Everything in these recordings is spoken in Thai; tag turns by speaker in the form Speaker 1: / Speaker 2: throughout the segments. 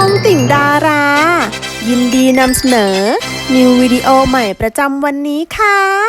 Speaker 1: องติ่งดารา ยินดีนำเสนอ นิววิดีโอใหม่ประจำวันนี้ค่ะ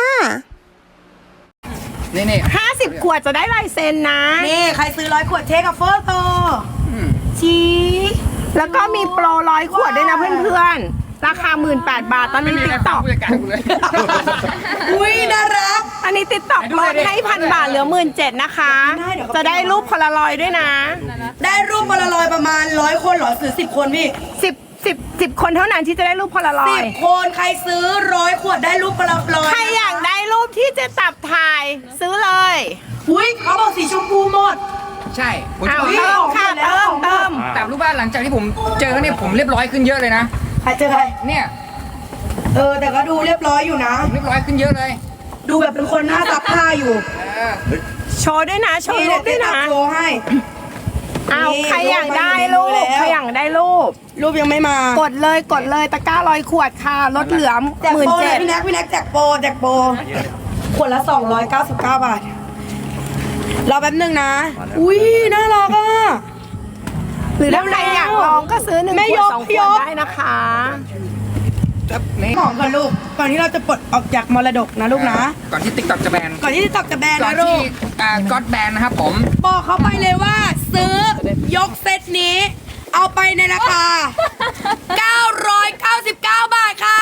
Speaker 2: นี่
Speaker 3: 50 ขวดจะได้ลายเซ็นนะ
Speaker 4: นี่ใครซื้อ100 ขวดเทคกับโฟโต้
Speaker 3: ชี้แล้วก็มีโปร100 ขวดด้วยนะเพื่อนๆ ราคา 18,000 บาท ตอนนี้ติ๊กต็อก
Speaker 2: ผู้จัดการกูเลย
Speaker 4: อุ้ยน่ารัก
Speaker 3: อันนี้ติ๊กต็อกลดให้1,000 บาทเหลือ 17,000 นะคะ จะได้รูปพลารอยด์ด้วยนะ
Speaker 4: ได้รูปโพลารอยด์ประมาณ100 คนเหรอซื้อ10 คนพี่
Speaker 3: 10 คนเท่านั้นที่จะได้รูปพลารอยด์
Speaker 4: 10 คนใครซื้อ100 ขวดได้รูปโพลารอยด์
Speaker 3: ใครอยากได้รูปที่เจะตับถ่ายซื้อเลย
Speaker 4: อุ้ยเขาบอกสีชมพูหมด
Speaker 2: ใช่ผมจะ
Speaker 3: เอา
Speaker 2: บอก
Speaker 3: เติมค่ะเติม
Speaker 2: แต่รู้ป่ะหลังจากที่ผมเจอเนี่ยผมเรียบร้อยขึ้นเยอะเลยนะ
Speaker 4: ใครเจอใคร
Speaker 2: เนี่ย
Speaker 4: แต่ก็ดูเรียบร้อยอยู่นะ
Speaker 2: ผมเรียบร้อยขึ้นเยอะเลย
Speaker 4: ดูแบบเป็นคนหน้าซักผ้าอยู่
Speaker 3: โชว์ด้วยนะ โชว์
Speaker 4: นี่
Speaker 3: รู
Speaker 4: เดี๋ย
Speaker 3: ป
Speaker 4: ว
Speaker 3: ด้วย
Speaker 4: จะ
Speaker 3: นะ
Speaker 4: โชว์ให้
Speaker 3: เอา
Speaker 4: นี่
Speaker 3: ใครอยากได้รู
Speaker 4: รู
Speaker 3: ป
Speaker 4: ป
Speaker 3: ใครอยากได้รูป
Speaker 4: รูปยังไม่มาก
Speaker 3: ดเลยตะกร้า100 ขวดค่ะลดเหลือ
Speaker 4: แจกโปรเลยพี่
Speaker 3: 17,000
Speaker 4: แน็กแจกโปรขวดละ299 บาทรอแป๊บนึงนะ อุ้ยน่ารักอ่ะ
Speaker 3: หรือถ้าใครอยากลองก็ซื้อ1
Speaker 4: แม่
Speaker 3: ข
Speaker 4: ยว
Speaker 3: ด
Speaker 4: ก
Speaker 3: 2 ข
Speaker 4: พี่
Speaker 3: วย ด
Speaker 4: ก
Speaker 3: ได้นะคะ
Speaker 2: นี่
Speaker 4: หอมก่อนลูก ก่อนที่เราจะปลดออกจากมรดกนะลูกนะ
Speaker 2: ก่อนที่ติ๊กต็อกจะแบน
Speaker 4: ก่อนที่จะตอกจะแบน
Speaker 2: ก่อน
Speaker 4: นะลู
Speaker 2: ที่
Speaker 4: ก
Speaker 2: ก็อดแบนนะครับผม
Speaker 4: บอกเขาไปเลยว่าซื้อยกเซตนี้ เอาไปในราคา 999 บาทค่ะ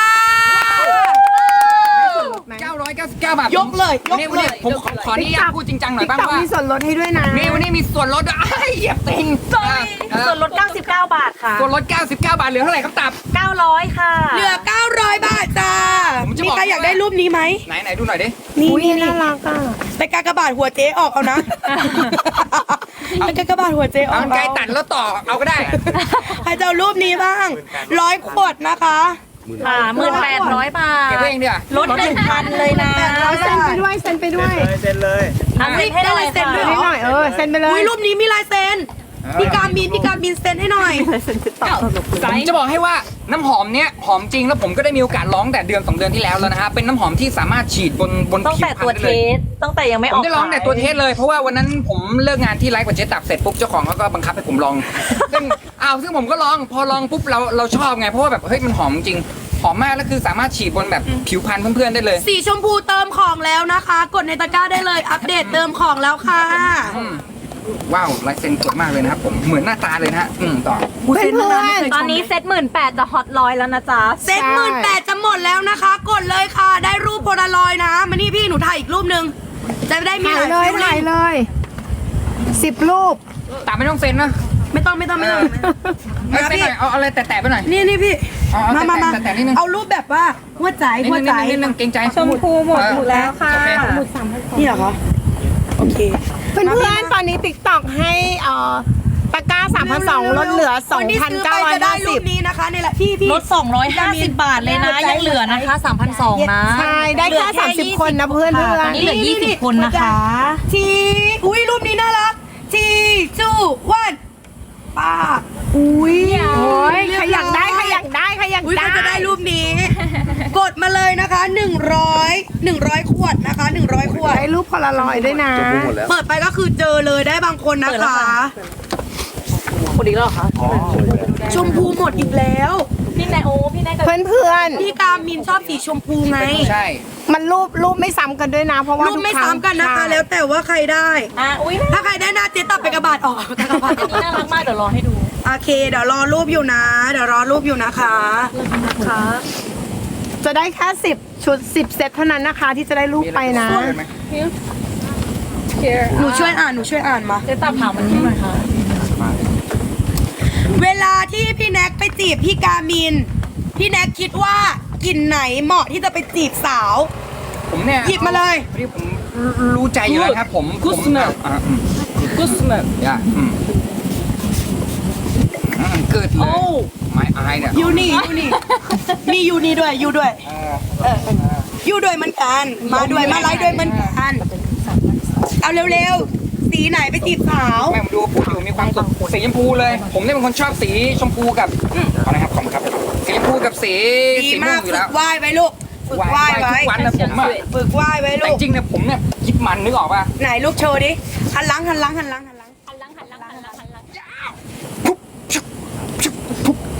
Speaker 2: 999 บาท
Speaker 4: ยกเลยยกเลย
Speaker 2: วันนี้ผมขออนุญาตพูดจริงจังหน่อย
Speaker 3: ติ๊ก
Speaker 2: บ้าง
Speaker 3: ต็อก
Speaker 2: ว่า
Speaker 3: มีส่วนลดให้ด้วยนะ
Speaker 2: นี่วันนี้มีส่วนลดด้วยอ้ายเหยียบติง
Speaker 5: ส่วนลด 99 บาทค่ะ
Speaker 2: ส่วนลด 99 บาทเหลือเท่าไหร่ครับตับ
Speaker 5: 900 ค่ะ
Speaker 4: เหลือ 900 บาทจ้า
Speaker 2: ผมจะ
Speaker 4: มี
Speaker 2: บอก
Speaker 4: ใครอยากได้รูปนี้ไหม
Speaker 2: ไหนดูหน่อยดิ
Speaker 4: นี่
Speaker 3: อุ้ย
Speaker 4: นี่
Speaker 3: น่ารักอ่ะ
Speaker 4: ไปกากบาทหัวเจ๊ออกเอานะไปกากบาทหัวเจ๊อ
Speaker 2: เอา
Speaker 4: อก
Speaker 2: ไกลตัดแล้วต่อเอาก็ได้
Speaker 4: ใครจะเอารูปนี้บ้าง100 ขวดนะคะ
Speaker 5: ค่ะ 1,800 บาท
Speaker 2: เก็บไว้เองดีกว่า
Speaker 5: ลด 1,000 เลยนะ
Speaker 3: เอาเซ็นไปด้วยเซ็นไปด้วย
Speaker 5: ทำเซ็นให้หน่อย
Speaker 4: ได้ลายเซ็น
Speaker 5: ค่ะ
Speaker 4: ด้วย
Speaker 3: ให้หน่อยเซ็นไปเล
Speaker 4: อุ้
Speaker 3: ย
Speaker 4: ยรูปนี้มีลายเซ็นพี่การบินเซ็นให้หน่อย
Speaker 2: ผมจะบอกให้ว่าน้ำหอมเนี้ยหอมจริงแล้วผมก็ได้มีโอกาสลองแต่เดือน2 เดือนที่แล้วแล้วนะฮะเป็นน้ำหอมที่สามารถฉีดบน
Speaker 5: ตั้ง
Speaker 2: ผิว
Speaker 5: แต่
Speaker 2: พร
Speaker 5: ตัว
Speaker 2: รณ
Speaker 5: เท
Speaker 2: ได้เลย
Speaker 5: ส ตั้งแต่ยังไม่
Speaker 2: ผ
Speaker 5: อ
Speaker 2: ม
Speaker 5: อก
Speaker 2: ได้ลองแต่ตัวเทสเลยเพราะว่าวันนั้นผมเลิกงานที่ไลฟ์กับเจ๊ตับเสร็จปุ๊บเจ้าของเขาก็บังคับให้ผมลอง ซึ่งผมก็ลองพอลองปุ๊บเราชอบไงเพราะว่าแบบเฮ้ยมันหอมจริงหอมมากแล้วคือสามารถฉีดบนแบบผิวพรรณเพื่อนๆได้เลย
Speaker 4: สีชมพูเติมของแล้วนะคะ กดในตะกร้าได้เลยอัปเดตเติมของแล้วค่ะ
Speaker 2: ว้าวลายเซ็นสวยมากเลยนะครับผมเหมือนหน้าตาเลยนะฮะต่อ
Speaker 3: เพื่อนๆ
Speaker 5: ตอนนี้เซ็ต18,000จะฮอต100แล้วนะจ๊ะ
Speaker 4: เซ็ต18,000จะหมดแล้วนะคะ กดเลยค่ะ ได้รูปโพลารอยด์นะ มานี่พี่หนูถ่ายอีกรูปนึง จะได้มี
Speaker 3: ถ่าย
Speaker 4: หลาย
Speaker 3: เลย
Speaker 4: ฟิล
Speaker 3: ถ่าย
Speaker 4: ลิ่ง
Speaker 3: เลย10 รูป
Speaker 2: ตามไม่ต้องเซ็นนะ
Speaker 4: ไม่ต้อง
Speaker 2: เอ้ยเซ็นหน่อยเอาอะไรแตะๆไปหน่อย
Speaker 4: นี่พี่
Speaker 2: เอา
Speaker 4: มา
Speaker 2: แต่นิดนึง
Speaker 4: เอารูปแบบว่าหัวใจ
Speaker 2: นิดนึงเกรงใจ
Speaker 3: ชมพูหมดแล้วค่ะ
Speaker 2: โอเค
Speaker 4: นี่เหรอคะ โอเค
Speaker 3: เพื่อนๆตอนนี้ติ๊กต็อกให้ตะกร้า3,200ลดเหลือ
Speaker 4: คนที่ซื้อไปจะได้รูป
Speaker 3: 2,950
Speaker 4: นี้นะคะนี่แหละพี่
Speaker 5: ลด 250 บาทเลยนะ ยังเหลือนะคะ 3,200 นะ
Speaker 3: ใช่ ได้แค่30 คนนะเพื่อน
Speaker 5: ตอนนี้เหลือ 20 คนนะคะ
Speaker 4: ทีอุ้ยรูปนี้น่ารักทีจูวันป้าอุ้ย
Speaker 3: โอ้ยใครอยากได้ใครอยากได้ใครอยาก
Speaker 4: อุ้ย
Speaker 3: ได้
Speaker 4: ใครจะได้รูปนี้ กดมาเลยนะคะ100 ขวดนะคะ100 ขวด
Speaker 3: ได้รูปพลารอยด์ด้วยนะ
Speaker 4: เปิดไปก็คือเจอเลยได้บางคนนะ
Speaker 5: เปิดแล้ว
Speaker 4: คะ
Speaker 5: ค่ะ คนอีกแล้วเหรอคะ
Speaker 4: ชมพูหมดอีกแล้ว
Speaker 5: พี่แนโอพี่แนกับ
Speaker 3: เพื่อน
Speaker 4: พี่กามินชอบสีชมพูไง
Speaker 2: ใช่
Speaker 3: ๆมันรูปไม่ซ้ำกันด้วยนะ เพราะว่า
Speaker 4: รูป
Speaker 3: ทุ
Speaker 4: ไม่
Speaker 3: ครั้ง
Speaker 4: ซ้ำกันนะคะ แล้วแต่ว่าใครได้
Speaker 5: อุ้ย
Speaker 4: ถ้าใครได้หน้าเจ๊ตับไปกระบาดออกกระบาด
Speaker 5: อันนี้น่ารักมาก เดี๋ยวรอให้ดู
Speaker 4: โอเค เดี๋ยวรอรูปอยู่นะ เดี๋ยวรอรูปอยู่นะคะ
Speaker 5: ค่ะ
Speaker 3: จะได้แค่10 ชุด 10 เซตเท่านั้นนะคะ ที่จะได้รูปไปนะ
Speaker 2: มีอะไรไหม
Speaker 4: หนูช่วยอ่านมา
Speaker 5: เจ๊ตับถามมันนี้หน่อยค่ะ
Speaker 4: เวลาที่พี่แน็กไปจีบพี่กามิน พี่แน็กคิดว่ากลิ่นไหนเหมาะที่จะไปจีบสาว
Speaker 2: ผมเนี่ย
Speaker 4: หยิบมาเลย
Speaker 2: พอดีผมรู้ใจอยู่แล้วครับผม
Speaker 5: Good smell กุสเมล
Speaker 2: อย่าเกิดเลยไม่อายเนี่ย
Speaker 4: ยูนี่มียูนี่ด้วยยูด้วยยูด้วยเหมือนกัน มาด้วยมาไลฟ์ด้วยเหมือนกัน เอาเร็วๆ สีไหนไปจีบสาว
Speaker 2: แม่ผมดูพูดอยู่มีความสุขสีชมพูเลย ผมเนี่ยเป็นคนชอบสีชมพูกับอะไรครับขอบคุณครับสีชมพูกับสี
Speaker 4: ดี
Speaker 2: ม่ว
Speaker 4: มาง ก
Speaker 2: อยู่
Speaker 4: ฝึ
Speaker 2: แล้ว
Speaker 4: กไหว้ไว้ลูก ฝึกไหว้ไว้
Speaker 2: ทุกวันนะผมอ่ะ
Speaker 4: ฝึกไหว้ไว้
Speaker 2: แต่
Speaker 4: ลูก
Speaker 2: จริงเนี่ยผมเนี่ยคิดมันนึกออกป่ะ
Speaker 4: ไหนลูกโชว์ดิ หันหลัง
Speaker 2: ปุ๊บ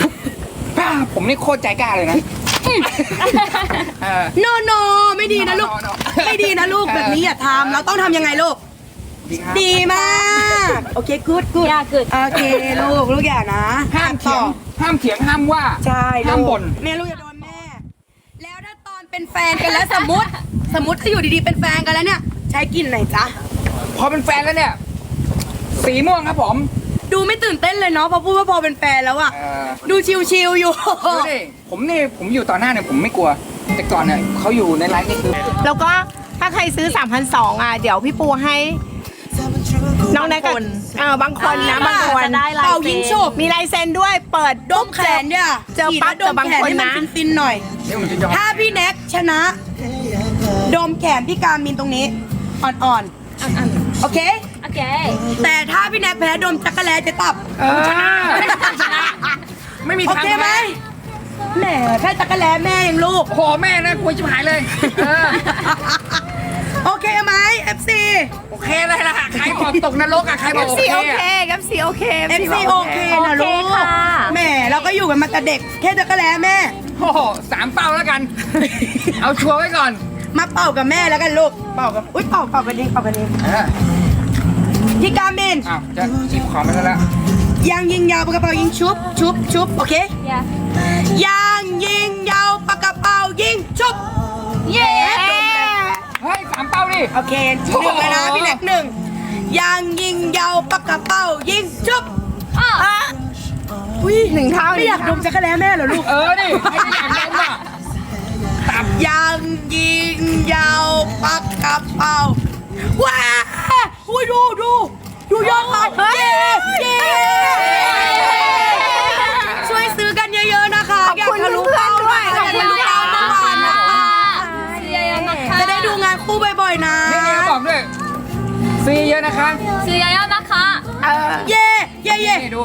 Speaker 2: ผมนี่โคตรใจกล้าเลยนะเออ
Speaker 4: โนโนไม่ดีนะลูก
Speaker 2: No, no, no.
Speaker 4: ไม่ดีนะลูกแบบนี้อย่าทำเราต้องทำยังไงลูก
Speaker 2: ดีครับ
Speaker 4: ดีมาก โอเคกูดกูด
Speaker 5: Yeah, good
Speaker 4: โอเคลูกอย่านะ
Speaker 2: ห้ามเถียงห้ามเถียงห้ามว่า
Speaker 4: ใช่
Speaker 2: ห้ามบ่น
Speaker 4: แม่ลูกอย่าโดนแม่ แล้วถ้าตอนเป็นแฟนกันแล้วสมมติถ้าอยู่ดีๆเป็นแฟนกันแล้วเนี่ย ใช้กลิ่นไหนจ๊ะ
Speaker 2: พอเป็นแฟนแล้วเนี่ย สีม่วงครับผม
Speaker 4: ดูไม่ตื่นเต้นเลยเนาะพอพูดว่าพอเป็นแฟนแล้วอะ
Speaker 2: เออ
Speaker 4: ดูชิวๆอยู่
Speaker 2: ดูดิผมอยู่ต่อหน้าเนี่ยผมไม่กลัว แต่ก่อนเนี่ยเขาอยู่ในไลฟ์นี่คือ
Speaker 3: แล้วก็ถ้าใครซื้อ 3,200อ่ะเดี๋ยวพี่ปูให้น้องแน็กกับบางคนนะบางคน
Speaker 5: จะได้ลาย
Speaker 4: เป่า
Speaker 5: เซ็
Speaker 4: ยิง
Speaker 5: น
Speaker 4: ฉุบ
Speaker 3: มีลายเซ็นด้วยเปิด
Speaker 4: ดมแขนเนี่ย
Speaker 3: เจอปั๊บ
Speaker 4: ด
Speaker 3: เจอ
Speaker 4: ม
Speaker 3: บาง
Speaker 4: แขน
Speaker 3: คน
Speaker 4: ให้มัน
Speaker 3: นะ
Speaker 4: ฟินๆหน่อย
Speaker 2: เดี๋ยวผมจะยอม
Speaker 4: ถ้าพี่แน็กชนะ ดมแขนพี่การมินตรงนี้อ่อนๆโอเค
Speaker 5: โอเค
Speaker 4: แต่ถ้าพี่แน็กแพ้ดมจักรแลจะตับ
Speaker 2: ชนะไม่มี
Speaker 4: โอ
Speaker 2: ทาง
Speaker 4: เคไหมแหมแค่จักรแลแม่ยังลูก
Speaker 2: โอ้โหแม่นะกลัวชิบหายเลยเออ
Speaker 4: โอเคไหม FC
Speaker 2: โอเคเลยล่ะใครบอกตกนรกอะใครบอกโอ
Speaker 3: FC
Speaker 2: เค
Speaker 3: โอ
Speaker 2: อะ
Speaker 3: เคกับ FC โอเค
Speaker 4: FC โอเคนะลูก
Speaker 5: โอเคค่ะ
Speaker 4: แหมเราก็อยู่กันมาแต่เด็กแค่จักรแลแม่
Speaker 2: โอ้โห3 เป้าแล้วกัน เอาชัวร์ไว้ก่อน
Speaker 4: มาเป่ากับแม่แล้วกันลูกเป่ากับอุ้ยเป่ากันเอง
Speaker 2: เออ
Speaker 4: พี่การมิน
Speaker 2: อ้าวจะจีบคอมไปแล้ว
Speaker 4: ยางยิงยาวปากกระเป๋ายิงชุบโอเค
Speaker 5: Yeah
Speaker 4: ยางยิงยาวปากกระเป๋ายิงชุบ
Speaker 5: เย้
Speaker 2: เฮ้ย3 เป้าดิ
Speaker 4: โอเคหนึ่งเลยนะพี่แน็ก1ยางยิงยาวปากกระเป๋ายิงชุบอุ้ย
Speaker 3: หนึ่งเท่า
Speaker 4: ไม่อยากดมจักรแลแม่เหรอลูก
Speaker 2: เออดิไม่ได้อยากเล่นอ่ะตับ
Speaker 4: ยางยิงยาวปากกระเป๋าว้าอุ้ยดูยอดขายเย้ช่วยซื้อกันเยอะๆนะคะ
Speaker 3: ขอบคุณ
Speaker 4: อยากทะลุ
Speaker 3: เพื่อน
Speaker 4: เป้า
Speaker 3: ๆด้วย
Speaker 4: อยากทะลุเป้าเมื่อวานนะคะ
Speaker 5: ซื้อเยอะๆนะคะ
Speaker 4: จะได้ดูงานคู่บ่อยๆนะ
Speaker 2: นี่บอกด้วยซีเยอะนะคะ
Speaker 5: ซื้อเยอะๆนะคะ
Speaker 4: เย่
Speaker 2: นี่ดู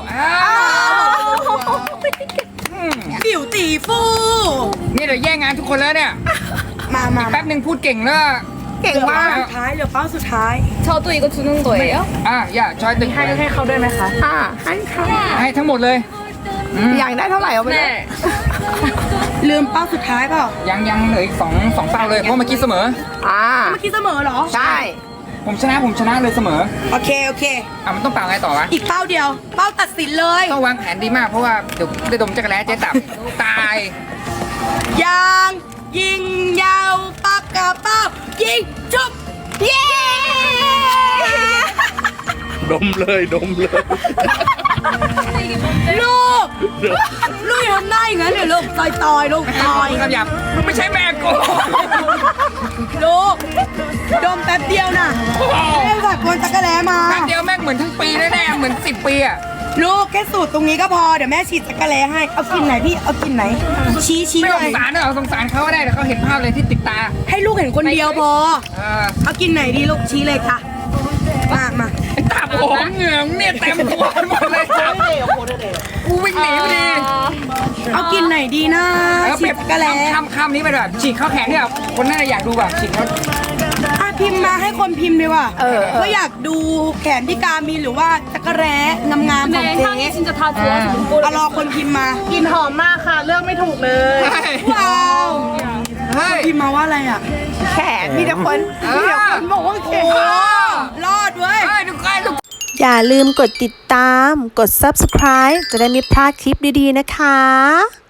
Speaker 2: อืม
Speaker 4: บิวตีฟู
Speaker 2: นี่เดี๋ยวแย่งงานทุกคนแล้วเนี่ย
Speaker 4: มา
Speaker 2: แป๊บหนึ่งพูดเก่งแล้ว
Speaker 3: เก่งมาก
Speaker 4: สุดท้ายเหลือเป้าสุดท้าย
Speaker 5: 저도 이거 주는 거예요?
Speaker 2: อย่าชอยตึง
Speaker 3: ให้เขาด้วยไหมคะให้ค่ะ
Speaker 2: ให้ทั้งหมดเลย
Speaker 3: อยากได้เท่าไหร่เอาไปเลย
Speaker 5: 네.
Speaker 4: ลืมเป้าสุดท้ายเปล่า
Speaker 2: ยังเหลืออีกสองเป้าเลยเพราะเมื่อกี้เสมอ
Speaker 4: เมื่อกี้เสมอเหรอ
Speaker 3: ใช่
Speaker 2: ผมชนะเลยเสมอ
Speaker 4: โอเค
Speaker 2: มันต้องเป่าไงต่อวะ
Speaker 4: อีกเป้าเดียว เป้าตัดสินเลย
Speaker 2: ต้องวางแผนดีมากเพราะว่าเดี๋ยวได้ดมจักรแล้เจ๊ตับตาย
Speaker 4: ยางยิงยาวปากกระเป๋ายิงจุบเย้
Speaker 6: ดมเลยดมเลย
Speaker 4: ลูกอย่าทำหน้าอย่างนั้นเลยลูกต่อยลูกต่อย
Speaker 2: คำหยาบมึงไม่ใช่แม่กู
Speaker 4: ลูกดมแป๊บเดียวน่ะเล่นสักคนจักรแล้มา
Speaker 2: แป๊บเดียวแม่งเหมือนทั้งปีแน่ๆเหมือน10 ปีอะ
Speaker 4: ลูกแค่สูตรตรงนี้ก็พอเดี๋ยวแม่ฉีดจักรแล้ให้เอากินไหนพี่เอากินไหน ชี้
Speaker 2: ไม่
Speaker 4: ห
Speaker 2: ส
Speaker 4: น่อย
Speaker 2: งสารเหรอสงสารเขาก็ได้แต่เขาเห็นภาพเลยที่ติดตา
Speaker 4: ให้ลูกเห็นคนเดียวพอ เอากินไหนดีลูกชี้เลยค่ะมา
Speaker 2: ตาผมเหงื่อเนี่ยเต็มตัวหมดเลยครับกูวิ่งหนีพอดี
Speaker 4: เอากินไหนดีนะ
Speaker 2: แล้ว
Speaker 4: ฉี
Speaker 2: เปรี
Speaker 4: ด
Speaker 2: ยบ
Speaker 4: จักรแล้
Speaker 2: คำนี้ไปแบบฉีกเข้าแขนเนี่ยคนน่าจะอยากดูแบบฉีกเขา
Speaker 4: พิมพ์มาให้คนพิมพ์ดีกว่าว่าอยากดูแขนที่กามีหรือว่าจักรแร้งามๆของ
Speaker 5: 네,
Speaker 4: เจ๊
Speaker 5: 향이 진짜 다 좋아서 못
Speaker 4: เอารอคนพิมพ์มาก
Speaker 3: ลิ่นหอมมากค่ะ เลือกไม่ถูกเลย
Speaker 4: ว้าว
Speaker 2: เฮ้ย
Speaker 4: พิมพ์มาว่าอะไรอ่ะ
Speaker 3: แขนมีแต่คนบอกว่าแขน
Speaker 4: รอดเว้ย
Speaker 2: เฮ้ยดูใกล้ดู
Speaker 1: อย่าลืมกดติดตาม กด subscribe จะได้ไม่พลาดคลิปดีๆนะคะ